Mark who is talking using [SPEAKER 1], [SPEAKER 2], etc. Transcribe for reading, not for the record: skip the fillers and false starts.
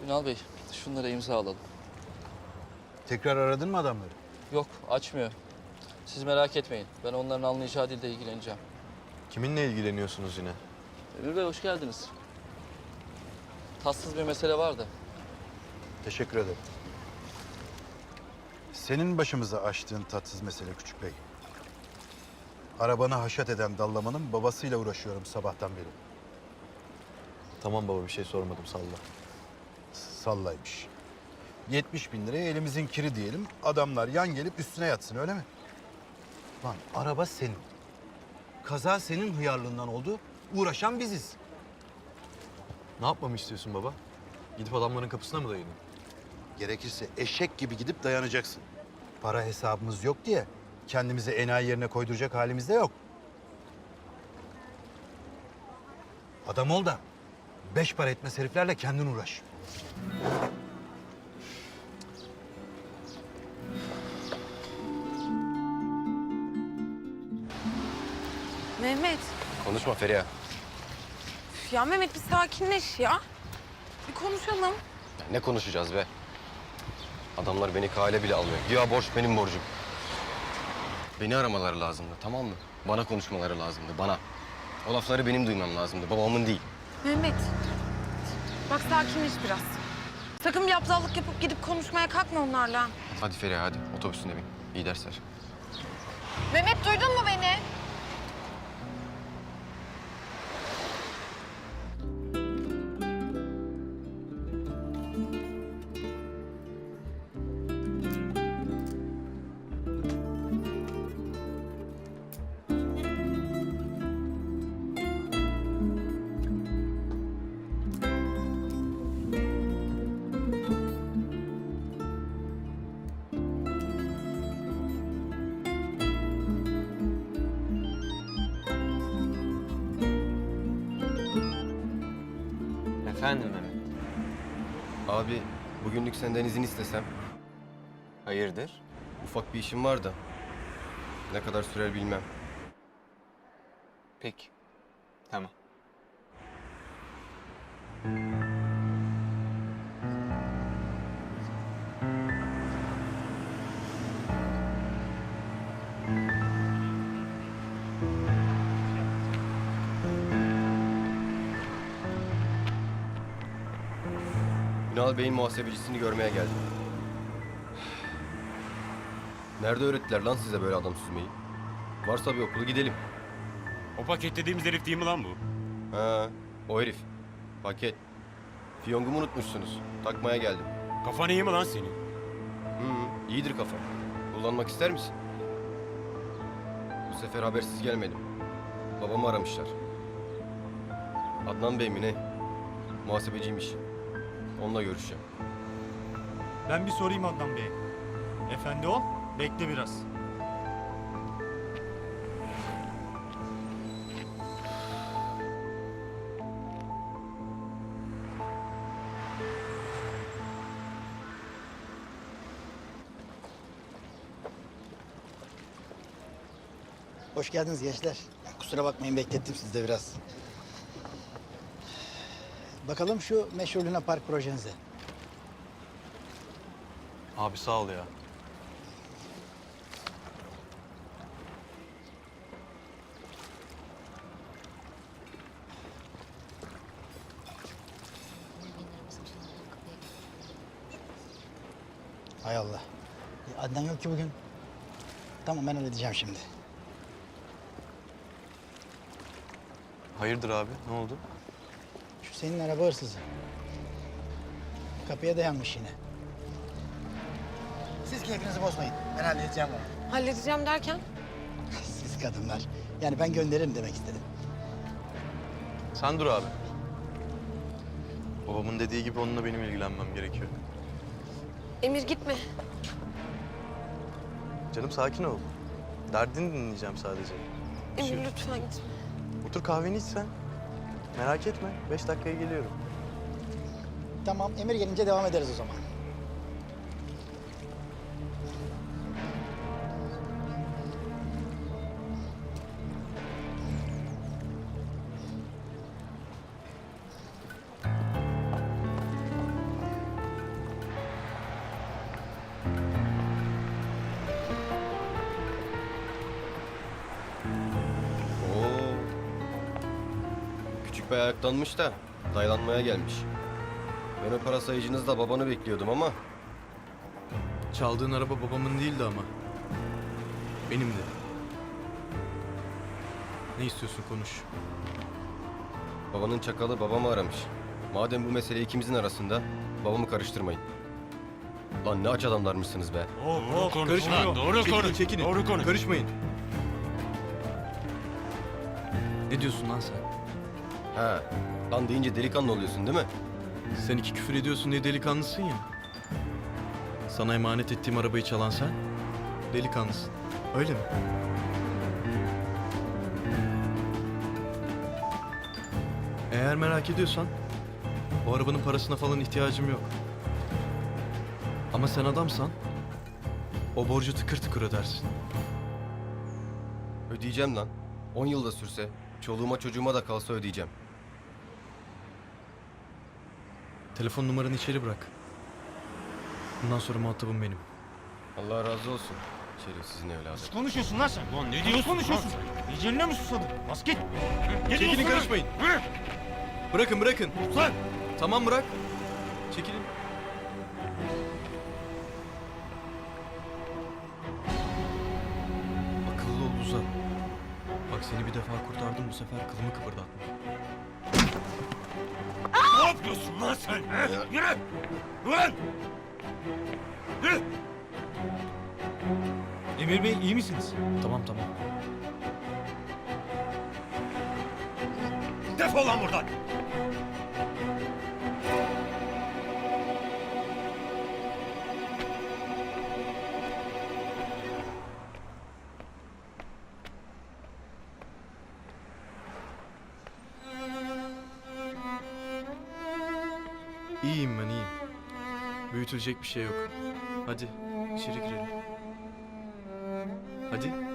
[SPEAKER 1] Ünal Bey, şunlara imza alalım.
[SPEAKER 2] Tekrar aradın mı adamları?
[SPEAKER 1] Yok, açmıyor. Siz merak etmeyin. Ben onların anlayacağı dilde ilgileneceğim.
[SPEAKER 3] Kiminle ilgileniyorsunuz yine?
[SPEAKER 1] Emir Bey, hoş geldiniz. Tatsız bir mesele var da.
[SPEAKER 2] Teşekkür ederim. Senin başımıza açtığın tatsız mesele Küçük Bey. Arabanı haşat eden dallamanın babasıyla uğraşıyorum sabahtan beri.
[SPEAKER 3] Tamam baba, bir şey sormadım, salla.
[SPEAKER 2] Sallaymış. 70 bin liraya elimizin kiri diyelim. Adamlar yan gelip üstüne yatsın, öyle mi? Lan araba senin. Kaza senin hıyarlığından oldu. Uğraşan biziz.
[SPEAKER 3] Ne yapmamı istiyorsun baba? Gidip adamların kapısına mı dayanayım?
[SPEAKER 2] Gerekirse eşek gibi gidip dayanacaksın. Para hesabımız yok diye kendimizi enayi yerine koyduracak halimiz de yok. Adam ol da 5 para etmez heriflerle kendin uğraş.
[SPEAKER 4] Mehmet.
[SPEAKER 5] Konuşma Feriha.
[SPEAKER 4] Üf ya Mehmet bir sakinleş ya. Bir konuşalım.
[SPEAKER 5] Ya ne konuşacağız be? Adamlar beni kale bile almıyor. Güya borç benim borcum. Beni aramaları lazımdı, tamam mı? Bana konuşmaları lazımdı, bana. O lafları benim duymam lazımdı, babamın değil.
[SPEAKER 4] Mehmet. Bak sakinleş biraz. Sakın bir aptallık yapıp gidip konuşmaya kalkma onlarla.
[SPEAKER 5] Hadi Feriha, hadi. Otobüsüne bin. İyi dersler.
[SPEAKER 4] Mehmet duydun mu beni?
[SPEAKER 6] Efendim Mehmet.
[SPEAKER 5] Abi, bugünlük senden izin istesem.
[SPEAKER 6] Hayırdır?
[SPEAKER 5] Ufak bir işim var da. Ne kadar sürer bilmem.
[SPEAKER 6] Peki. Tamam.
[SPEAKER 5] Ünal Bey'in muhasebecisini görmeye geldim. Nerede öğrettiler lan size böyle adam süzmeyi? Varsa bir okulu gidelim.
[SPEAKER 7] O paket dediğimiz herif değil mi lan bu?
[SPEAKER 5] Ha, o herif. Paket. Fiyongumu unutmuşsunuz. Takmaya geldim.
[SPEAKER 7] Kafan iyi mi lan senin?
[SPEAKER 5] İyidir kafa. Kullanmak ister misin? Bu sefer habersiz gelmedim. Babamı aramışlar. Adnan Bey mi ne? Muhasebeciymiş. Onunla görüşeceğim.
[SPEAKER 8] Ben bir sorayım Adnan Bey. Efendi ol, bekle biraz.
[SPEAKER 9] Hoş geldiniz gençler. Kusura bakmayın beklettim sizi de biraz. Bakalım şu meşhur Luna Park projenize.
[SPEAKER 3] Abi sağ ol ya.
[SPEAKER 9] Hay Allah. Adnan yok ki bugün. Tamam ben halledeceğim şimdi.
[SPEAKER 3] Hayırdır abi, ne oldu?
[SPEAKER 9] Şu senin araba hırsızı. Kapıya dayanmış yine. Siz keyfinizi bozmayın. Ben halledeceğim onu.
[SPEAKER 4] Halledeceğim derken?
[SPEAKER 9] Siz kadınlar. Yani ben gönderirim demek istedim.
[SPEAKER 3] Sen dur abi. Babamın dediği gibi onunla benim ilgilenmem gerekiyor.
[SPEAKER 4] Emir gitme.
[SPEAKER 3] Canım sakin ol. Derdini dinleyeceğim sadece.
[SPEAKER 4] Emir lütfen gitme.
[SPEAKER 3] Otur kahveni iç sen. Merak etme, 5 dakikaya geliyorum.
[SPEAKER 9] Tamam Emir gelince devam ederiz o zaman.
[SPEAKER 5] epey ayaklanmış da daylanmaya gelmiş. Ben o para sayıcınızda babanı bekliyordum ama
[SPEAKER 3] Çaldığın araba babamın değildi ama. Benimdi. Ne istiyorsun konuş.
[SPEAKER 5] babanın çakalı babamı aramış. Madem bu mesele ikimizin arasında babamı karıştırmayın. Lan ne aç adamlarmışsınız be.
[SPEAKER 7] Doğru konuş
[SPEAKER 3] Karışmayın.
[SPEAKER 7] lan, doğru
[SPEAKER 3] Çekilin,
[SPEAKER 7] konuş.
[SPEAKER 3] çekilin.
[SPEAKER 7] Doğru konuş.
[SPEAKER 3] Karışmayın. Ne diyorsun lan sen?
[SPEAKER 5] Ha, lan deyince delikanlı oluyorsun değil mi?
[SPEAKER 3] Sen iki küfür ediyorsun diye delikanlısın ya. Sana emanet ettiğim arabayı çalan sen delikanlısın. Öyle mi? Eğer merak ediyorsan o arabanın parasına falan ihtiyacım yok. Ama sen adamsan o borcu tıkır tıkır ödersin.
[SPEAKER 5] Ödeyeceğim lan. 10 yılda sürse, çoluğuma çocuğuma da kalsa ödeyeceğim.
[SPEAKER 3] Telefon numaranı içeri bırak. Bundan sonra muhatabım benim.
[SPEAKER 5] Allah razı olsun. Şerefsizin evladı.
[SPEAKER 8] Konuşuyorsun lan sen.
[SPEAKER 7] Lan ne diyorsun
[SPEAKER 8] Konuşuyorsun.
[SPEAKER 7] lan?
[SPEAKER 8] Eceline mi susadın? Bas git.
[SPEAKER 3] Çekilin, karışmayın. Bırakın bırakın.
[SPEAKER 8] Lan.
[SPEAKER 3] Tamam bırak. Çekilin. Akıllı ol Uzan. Bak seni bir defa kurtardım, bu sefer kılımı kıpırdatma.
[SPEAKER 7] Ne yapıyorsun lan sen? He? Yürü! Ulan! Yürü!
[SPEAKER 8] Emir Bey iyi misiniz?
[SPEAKER 3] Tamam tamam.
[SPEAKER 7] Defol lan buradan!
[SPEAKER 3] İyiyim ben iyiyim. Büyütülecek bir şey yok. Hadi içeri girelim. Hadi.